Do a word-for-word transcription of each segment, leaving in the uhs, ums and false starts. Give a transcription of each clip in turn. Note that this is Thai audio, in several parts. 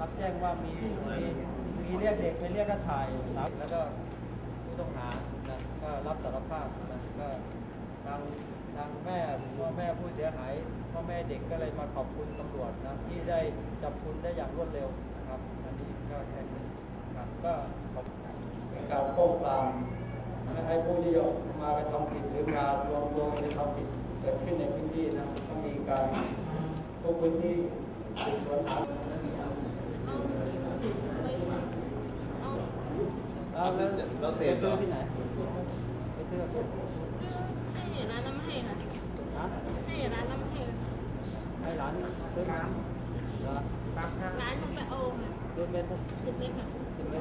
รับแจ้งว่ามีมีมีเรียกเด็กไปเรียกก็ถ่ายแล้วก็ผู้ต้องหานะก็รับสารภาพนะก็ทางทางแม่พ่อแม่ผู้เสียหายพ่อแม่เด็กก็เลยมาขอบคุณตำรวจนะที่ได้จับกุมได้อย่างรวดเร็วนะครับอันนี้ก็แค่นี้ครับก็ขอบการป้องปรามไม่ให้ผู้ที่มาไปทำผิดหรือมารวมตัวในทำผิดเกิดขึ้นในพื้นที่นะต้องมีการทุกพื้นที่สืบสวนหาเราเราเสพซื้อที่ไหนไปซื้อให้ร้านน้ำให้ค่ะให้ร้านน้ำให้ให้ร้านซื้อน้ำเหรอร้านต้องไปเอาค่ะซื้อเม็ดสิบเม็ดค่ะสิบเม็ด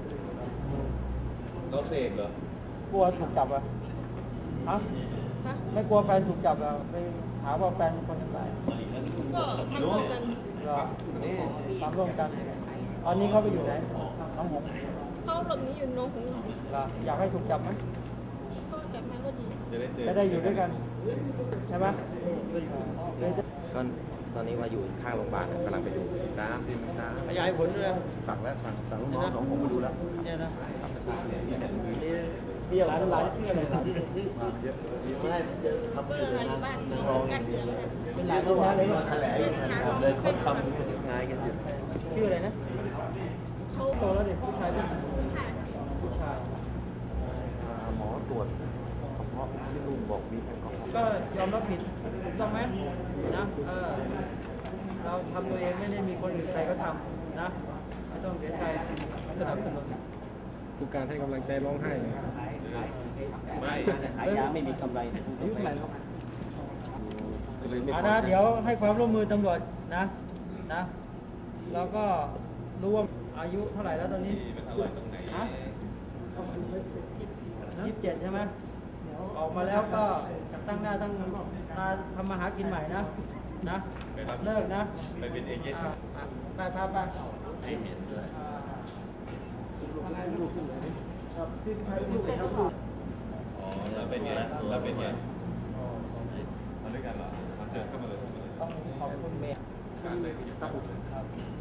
เราเสพเหรอกลัวถูกจับอ่ะฮะไม่กลัวแฟนถูกจับอ่ะไปหาว่าแฟนคนนั้นตายก็ทำร่วมกันเหรอนี่ทำร่วมกันตอนนี้เขาไปอยู่ไหนน้องหงเขาหลบหนีอยู่น้องหงเหรออยากให้ถูกจับไหมก็จับมาก็ดีจะได้อยู่ด้วยกันใช่ไหมก็ตอนนี้มาอยู่ข้างโรงพยาบาลกำลังไปดูน้ำที่น้ำขยายผลด้วยสั่งแล้วสั่งสั่งลูกน้องของผมมาดูแล้วเนี่ยนะมีหลายหลายชื่ออะไรหลายชื่อเยอะไม่ได้ทำอยู่ในบ้านรองเป็นหลายตัวเลยแถลงเลยเขาทำเป็นงานกันอยู่ชื่ออะไรนะเขาโตแล้วเด็กผู้ชายผู้ชายผู้ชายหมอตรวจเฉพาะที่ลุงบอกมีแอลกอฮอล์ก็ยอมรับผิดถูกต้องไหมนะเออเราทำตัวเองไม่ได้มีคนอื่นใครก็ทำนะไม่ต้องเสียใจสนับสนุนทุกการให้กำลังใจร้องไห้เลยไม่ขายยาไม่มีกำไรอายุเท่าไหร่ครับนะเดี๋ยวให้ความร่วมมือตำรวจนะนะเราก็รู้ว่าอายุเท่าไหร่แล้วตอนนี้ฮะยี่สิบเจ็ดใช่ไหมออกมาแล้วก็ตั้งหน้าตั้งตาทำมาหากินใหม่นะนะเลิกนะไปเป็นเอเจนต์ไปพาไปไม่เหม็นด้วยที่ใครลูกเป็นลูกอ๋อเราเป็นไงเราเป็นไงมาด้วยกันเหรอมาเจอกันมาเลยต้องขอบคุณเมย์การเลยที่จะตั้ง